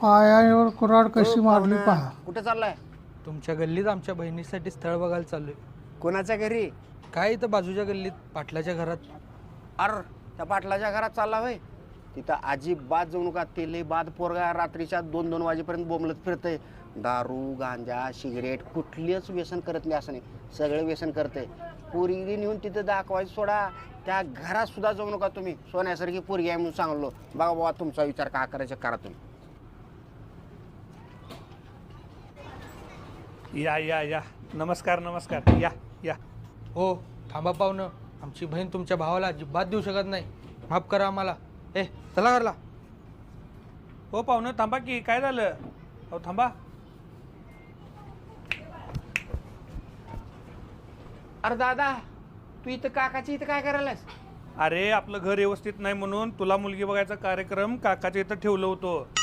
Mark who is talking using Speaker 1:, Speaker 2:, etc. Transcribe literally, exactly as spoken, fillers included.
Speaker 1: पायावर कुऱ्हाड कशी
Speaker 2: हो,
Speaker 1: मारली
Speaker 2: पाहुणा.
Speaker 1: पहा.
Speaker 2: कुठे चाललाय?
Speaker 3: तुमच्या गल्लीत आमच्या बहिणीसाठी स्थळ बघायला चाललोय.
Speaker 2: कोणाच्या घरी?
Speaker 3: काय इथं बाजूच्या गल्लीत पाटलाच्या घरात.
Speaker 2: अर त्या पाटलाच्या घरात चालला होय. तिथं अजिबात जाऊ नका. ते लय बाद पोरगा रात्रीच्या दोन दोन वाजेपर्यंत बोंबलत फिरतय. दारू गांजा सिगरेट कुठलीच व्यसन करत नाही असं नाही, सगळं व्यसन करतंय. पोरगी नेऊन तिथं दाखवायचं सोडा, त्या घरात सुद्धा जाऊ नका तुम्ही. सोन्यासारखी पोरगी आहे म्हणून सांगलो. बघा बाबा तुमचा विचार का करायचा करा तुम्ही.
Speaker 4: या या या नमस्कार नमस्कार या या.
Speaker 3: हो थांबा पाहुणं, आमची बहीण तुमच्या भावाला अजिबात देऊ शकत नाही, माफ करा आम्हाला. ए चला घरला.
Speaker 4: हो पाहुणं थांबा की, काय झालं? हो थांबा.
Speaker 2: अरे दादा, तू इथं काकाची इथं काय करायलास?
Speaker 4: अरे आपलं घर व्यवस्थित नाही म्हणून तुला मुलगी बघायचा कार्यक्रम काकाच्या इथं ठेवलं होतं.